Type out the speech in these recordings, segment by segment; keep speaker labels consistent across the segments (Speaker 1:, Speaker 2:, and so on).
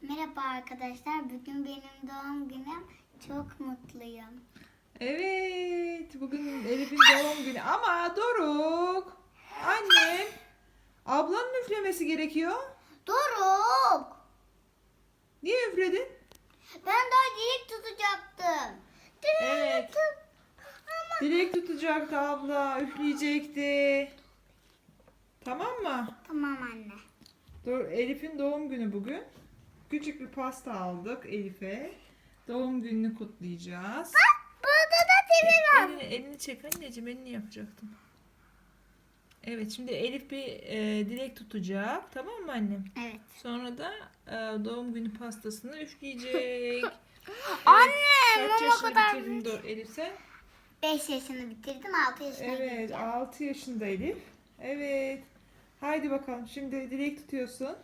Speaker 1: Merhaba arkadaşlar. Bugün benim doğum günüm. Çok mutluyum.
Speaker 2: Evet, bugün Elif'in doğum günü ama Doruk, annem, ablanın üflemesi gerekiyor.
Speaker 1: Doruk!
Speaker 2: Niye üfledin?
Speaker 1: Ben daha dilek tutacaktım.
Speaker 2: Evet, dilek tutacaktı abla, üfleyecekti. Tamam mı?
Speaker 1: Tamam anne.
Speaker 2: Elif'in doğum günü bugün. Küçük bir pasta aldık Elif'e. Doğum gününü kutlayacağız.
Speaker 1: Burada da TV var.
Speaker 2: Elini çek anneciğim, elini yapacaktım. Evet, şimdi Elif bir dilek tutacak. Tamam mı annem?
Speaker 1: Evet.
Speaker 2: Sonra da doğum günü pastasını üfleyecek.
Speaker 1: Anne,
Speaker 2: Kaç
Speaker 1: mama
Speaker 2: yaşını
Speaker 1: kadar
Speaker 2: bitirdin Elif sen?
Speaker 1: 5 yaşını bitirdim. 6 yaşına
Speaker 2: Evet,
Speaker 1: gireceğim.
Speaker 2: 6 yaşında Elif. Evet. Haydi bakalım, şimdi dilek tutuyorsun.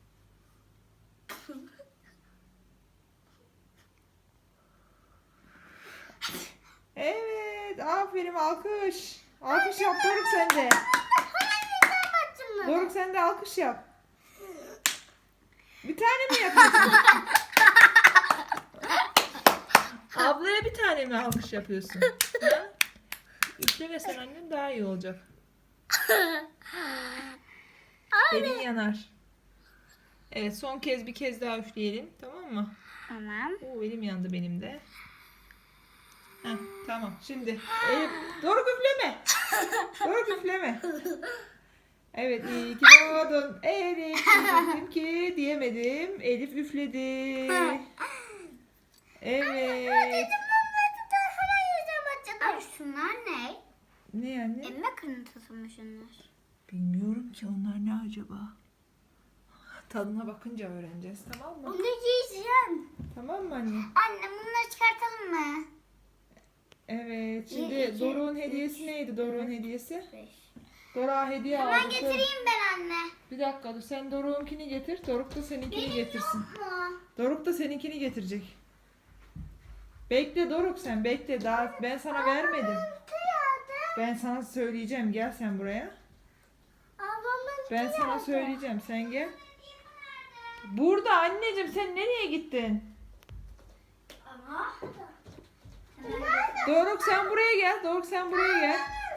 Speaker 2: Evet, aferin, alkış. Alkış yap Doruk, sen de. Doruk, sen de alkış yap. Bir tane mi yapıyorsun? Ablaya bir tane mi alkış yapıyorsun? Ha? Üflemesen annem daha iyi olacak. Elin yanar. Evet, son kez bir kez daha üfleyelim, tamam mı?
Speaker 1: Tamam.
Speaker 2: Oo, elim yandı benim de. Heh, tamam, şimdi Doruk üfleme. Doruk üfleme. Evet, iyi ki doğdun Elif. Diyecektim ki diyemedim. Elif üfledi. Evet.
Speaker 1: Ay, şunlar ne?
Speaker 2: Ne yani?
Speaker 1: Emme kırıntısı mı şunlar?
Speaker 2: Bilmiyorum ki onlar ne acaba. Tadına bakınca öğreneceğiz, tamam mı?
Speaker 1: Onu yiyeceğim.
Speaker 2: Tamam mı anne?
Speaker 1: Anne bunları çıkartalım mı?
Speaker 2: Evet, şimdi
Speaker 1: İki,
Speaker 2: Doruk'un hediyesi neydi? Doruk'un hediyesi?
Speaker 1: 5.
Speaker 2: Doruk'a hediye
Speaker 1: Hemen
Speaker 2: aldık.
Speaker 1: getireyim ben anne.
Speaker 2: Bir dakika dur, sen Doruk'unkini getir, Doruk da seninkini getirsin.
Speaker 1: Mu?
Speaker 2: Doruk da seninkini getirecek. Bekle Doruk, sen bekle, daha ben sana vermedim. Ben sana söyleyeceğim, gel sen buraya.
Speaker 1: Ablamın
Speaker 2: Ben sana söyleyeceğim, sen gel. Burada anneciğim, sen nereye gittin?
Speaker 1: Ama.
Speaker 2: Doruk sen buraya gel, Doruk sen buraya gel.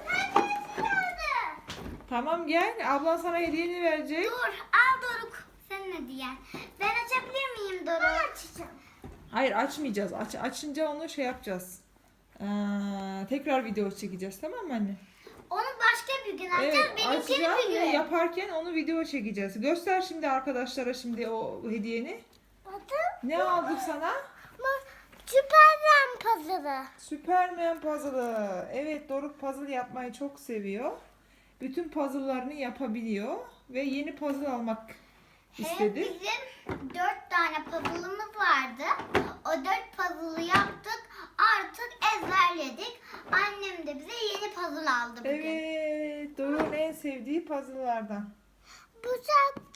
Speaker 2: Tamam gel, ablan sana hediyeni verecek.
Speaker 1: Dur al Doruk. Sen ne diyen? Ben açabilir miyim Doruk? Açacağım.
Speaker 2: Hayır, açmayacağız. Açınca onu şey yapacağız. Tekrar video çekeceğiz, tamam mı anne?
Speaker 1: Onu başka bir gün açacağız.
Speaker 2: Evet,
Speaker 1: Benimkini
Speaker 2: açacağız
Speaker 1: bir
Speaker 2: ve
Speaker 1: gün.
Speaker 2: yaparken onu video çekeceğiz. Göster şimdi arkadaşlara şimdi o hediyeni.
Speaker 1: Bakın.
Speaker 2: Ne aldık sana?
Speaker 1: Süpermen puzzle'ı.
Speaker 2: Superman puzzle'ı. Evet, Doruk puzzle yapmayı çok seviyor. Bütün puzzle'larını yapabiliyor ve yeni puzzle almak istedi.
Speaker 1: Bizim 4 tane puzzle'ımız vardı. O 4 puzzle'ı yaptık. Artık ezberledik. Annem de bize yeni puzzle aldı bugün.
Speaker 2: Evet, Doruk'un en sevdiği puzzle'lardan.
Speaker 1: Bu saat...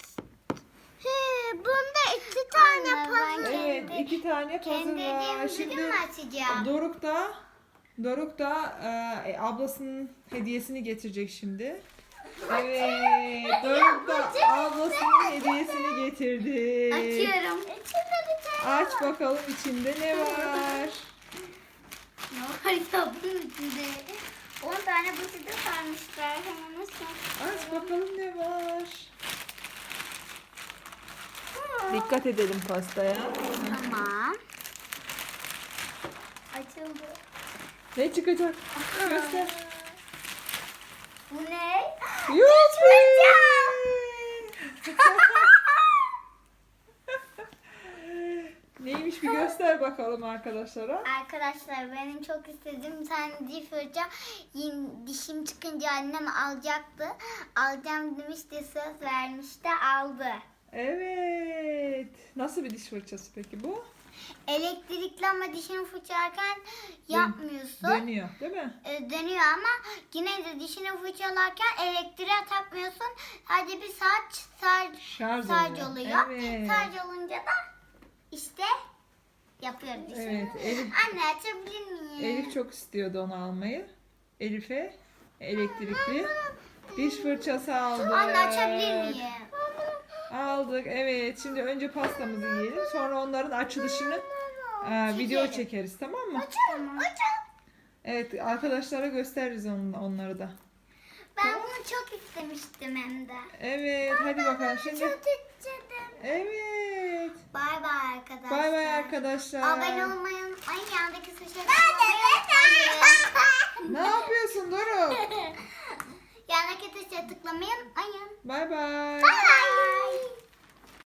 Speaker 1: bunda 2 tane puzzle.
Speaker 2: Evet, 2 tane puzzle
Speaker 1: Kendi
Speaker 2: var.
Speaker 1: hediyemi
Speaker 2: Şimdi
Speaker 1: bugün mü açacağım?
Speaker 2: Doruk da ablasının hediyesini getirecek şimdi. Evet, Doruk da ablasının hediyesini getirdi.
Speaker 1: Açıyorum. İçinde bir tane
Speaker 2: Aç bakalım içinde ne var.
Speaker 1: Ne var ya bunun içinde? 10 tane buçukta sarmışlar. Hemen nasıl?
Speaker 2: Aç bakalım ne var. Dikkat edelim pastaya.
Speaker 1: Tamam. Açıldı.
Speaker 2: Ne çıkacak? Göster.
Speaker 1: Bu ne?
Speaker 2: Yuppi! Neymiş bir göster bakalım arkadaşlara.
Speaker 1: Arkadaşlar benim çok istediğim bir tane diş fırça dişim çıkınca annem alacaktı. Alacağım demişti, söz vermişti, aldı.
Speaker 2: Evet. Nasıl bir diş fırçası peki bu?
Speaker 1: Elektrikli ama dişini fırçalarken yapmıyorsun.
Speaker 2: Dönüyor, değil mi?
Speaker 1: Dönüyor ama yine de dişini fırçalarken elektriğe takmıyorsun. Hadi bir saat şarj oluyor.
Speaker 2: Evet.
Speaker 1: Şarj olunca da işte yapıyoruz dişini.
Speaker 2: Evet, Elif,
Speaker 1: Anne açabilir miyim?
Speaker 2: Elif çok istiyordu onu almayı. Elif'e elektrikli diş fırçası aldı.
Speaker 1: Anne açabilir miyim?
Speaker 2: Aldık. Evet. Şimdi önce pastamızı yiyelim. Sonra onların açılışını video
Speaker 1: Çekelim.
Speaker 2: çekeriz. Tamam mı?
Speaker 1: Tamam.
Speaker 2: Evet. Arkadaşlara gösteririz onları da.
Speaker 1: Ben bunu çok istemiştim hem de.
Speaker 2: Evet. Hadi bakalım. Şimdi.
Speaker 1: Çok istedim.
Speaker 2: Evet.
Speaker 1: Bay bay arkadaşlar.
Speaker 2: Bay bay arkadaşlar.
Speaker 1: Abone olmayı unutmayın. Yandaki tuşa tıklamayı unutmayın.
Speaker 2: Ne yapıyorsun Doruk?
Speaker 1: Yandaki tuşa tıklamayı unutmayın.
Speaker 2: Bay bay.